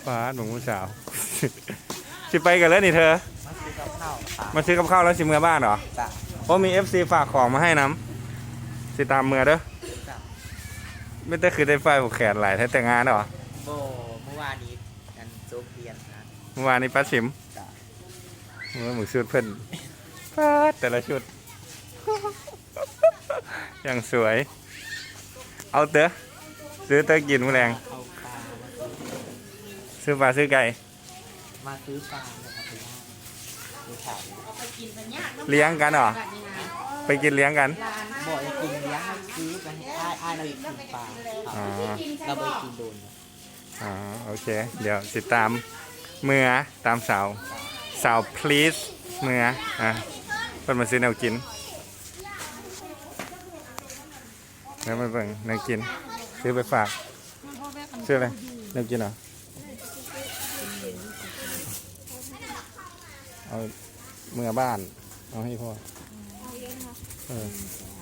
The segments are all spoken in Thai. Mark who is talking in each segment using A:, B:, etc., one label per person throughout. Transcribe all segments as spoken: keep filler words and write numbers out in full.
A: ฟ้าหนุ่มผู้สาวสิไปกันแล้วนี่เธอมาซื้อกับข้าวแล้วสิเมื่อบ้านเหรอเพราะมี เอฟ ซี ฝากของมาให้น้ำสิตามเมื่อเด้อไม่ได้คือได้ไฟผูกแขนหลายท้แต่งงานเหรอ
B: โบเมื่อวานนี้กันโจกเรียนนะ
A: เมื่อวานนี้ป้าชิมเมื่อหมูชุดเพิ่นป้าแต่ละชุดอย่างสวยเอาเต๋อซื้อเต๋อกินมื้อแรงซื้อปลาซื้อไก่
B: มาซื้อปลานะครับพี่ว่า
A: เลี้ยงกันเหรอไปกินเลี้ยงกัน
B: บ่อยกินเลี้ยงซื้อไปให้อ้ายอ้ายเรากินปลาเราไปกินโดน
A: อ๋อโอเคเดี๋ยวติดตามเมื่อตามสาวสาว please เมื่ออ่ะเพิ่นมาซื้อแนวกินแล้วมาเบิ่งแนวกินซื้อไปฝากซื้ออะไรแนวกินเหรอเอาเมื่อบ้านเอาให้พ่อเออ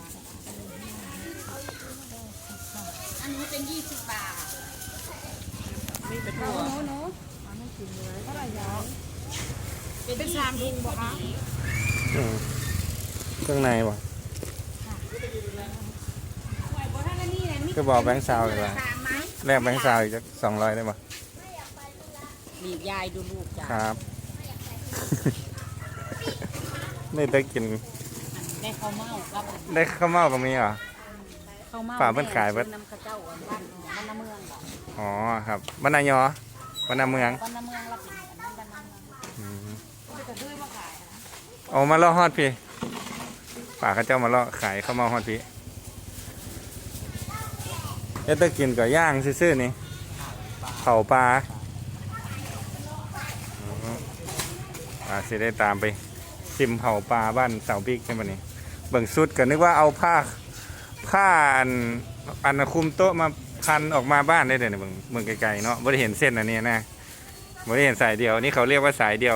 C: อันนี้เป็นยี่สิบบาท
B: นี่เป็นตัว
C: โน้ไม่กินเลยเท่าไหร่ยาวเป็นสามถุงบ่คะ
A: เครื่องในบ่ก็บอกแบงค์ซาวเลยว่าแลกแบงค์ซาวอีกสองร้อยได้ป่ะ
C: บีบยายดูลูกจ้า
A: ครับได้ได้กิน
C: ได้ข้าวเม่าครับ
A: ได้ข้าวเม่ากับมีเหรอ
C: ข้าวเม่า
A: ป่าเพิ่นขายเพิ่น
C: น้ำข้าวเจ้าบ้านบ้านน้ำเมืองเหรอ
A: อ๋อครับบ้านนายอบ้านนาเมือง
C: บ้านน้ำเมืองรับผิดบ้านน้ำเมืองจะดื้อมาขาย
A: โอ้มาล่อฮอดพี่ป่าเขาเจ้ามาล่อขายข้าวเม่าฮอดพี่เอ๊ะตะกินกับย่างซื่อๆนี่เผาปลาอ่าสิได้ตามไปชิมเผาปลาบ้านเสาบิ๊กใช่ไหมนี่เบิ่งสุดก็นึกว่าเอาผ้าผ้าอันอันคุมโต๊ะมาพันออกมาบ้านได้เลยเนี่ยเบิ่งเบิ่งไกลๆเนาะไม่ได้เห็นเส้นอันนี้นะไม่ได้เห็นสายเดียวนี่เขาเรียกว่าสายเดียว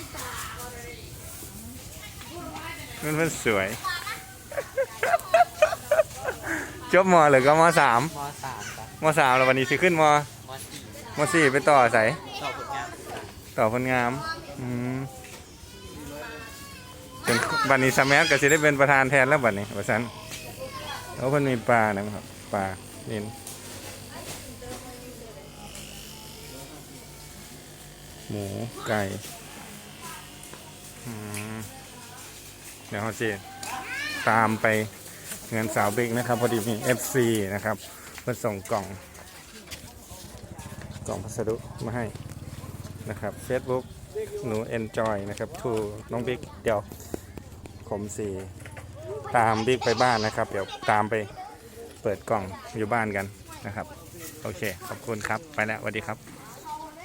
A: มันมันสวยจบมอหรือก็มสาม
B: มสามครับ
A: มสามแล้ววันนี้สิขึ้นมมสี่ไปต่อใส่
B: ต่อผลงาน
A: ต่อผลงานอืมเป็นบันนี้สมัยก็จะได้เป็นประธานแทนแล้วบัดนี้ว่าซั่นแล้วเพิ่นมีปลานะครับปลานิลหมูไก่เดี๋ยวเราจะตามไปเงินสาวบิ๊กนะครับพอดีมี เอฟ ซี นะครับเพื่อส่งกล่องกล่องพัสดุมาให้นะครับ Facebook หนู enjoy นะครับทูน้องบิ๊กเดี๋ยวผมสีตามบิ๊กไปบ้านนะครับเดี๋ยวตามไปเปิดกล่องอยู่บ้านกันนะครับโอเคขอบคุณครับไปแล้วสวัสดีครับ